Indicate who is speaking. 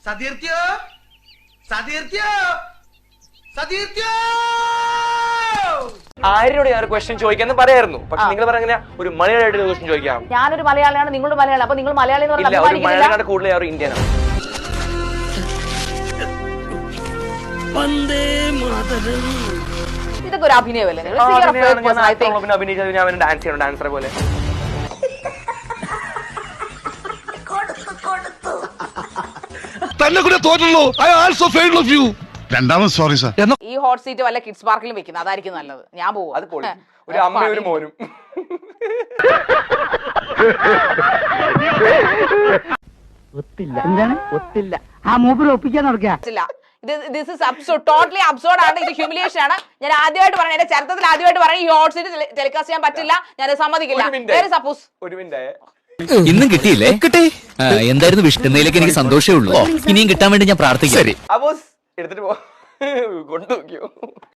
Speaker 1: സതീർത്യോ സതീർത്യോ സതീർത്യോ.
Speaker 2: ആരോട് ഞാൻ ഒരു ക്വസ്റ്റ്യൻ ചോദിക്കാന്ന് പറയായിരുന്നു. പക്ഷെ നിങ്ങൾ പറഞ്ഞ ഒരു മലയാളിയായിട്ട് ക്വസ്റ്റ്യൻ ചോദിക്കാം.
Speaker 3: ഞാനൊരു മലയാളിയാണ്, നിങ്ങളുടെ മലയാളി. അപ്പൊ നിങ്ങൾ മലയാളി എന്ന്
Speaker 2: ഇല്ല, ഒരു മലയാളിയുടെ കൂടുതൽ ഒരു ഇന്ത്യനാണ്.
Speaker 3: ഇതൊക്കെ ഒരു അഭിനയമല്ലേ?
Speaker 2: അഭിനയിച്ചത് ഞാൻ ഡാൻസ് ചെയ്യണം, ഡാൻസറെ പോലെ.
Speaker 4: തന്നെ കൂടെ തോറ്റുള്ളൂ. I also failed of you. രണ്ടാമത് സോറി സർ.
Speaker 3: ഈ ഹോട്ട് സീറ്റ് വല്ല കിഡ്സ് പാർക്കിലും വെക്കുന്നത് അതായിരിക്കും നല്ലത്. ഞാൻ പോകും.
Speaker 2: അത് പൊളി. ഒരു അമ്മയും ഒരു മോനും.
Speaker 5: ഒത്തില്ല. എന്താണ് ഒത്തില്ല? ആ മൂപ്പര് ഒപ്പിക്കാൻ നടക്കുക.
Speaker 3: This is absurd, totally absurd ആണ്. ഇത് ഹ്യൂമിലിയേഷൻ ആണ്. ഞാൻ ആദ്യമായിട്ട് പറഞ്ഞു, എന്റെ ചരിത്രത്തിൽ ആദ്യമായിട്ട് പറഞ്ഞു ഈ ഹോട്ട് സീറ്റ് ടെലികാസ്റ്റ് ചെയ്യാൻ പറ്റില്ല, ഞാൻ സമ്മതിക്കില്ല. സപ്പോസ്
Speaker 2: ഒരു മിനിറ്റ്
Speaker 6: ഇന്നും കിട്ടിയില്ലേ? കിട്ടി. എന്തായിരുന്നു വിഷ്ണുന്നതിലേക്ക് എനിക്ക് സന്തോഷമേ ഉള്ളൂ. ഇനിയും കിട്ടാൻ വേണ്ടി ഞാൻ പ്രാർത്ഥിക്കാം.
Speaker 2: അപ്പോസ് എടുത്തിട്ട് പോ. കൊണ്ടു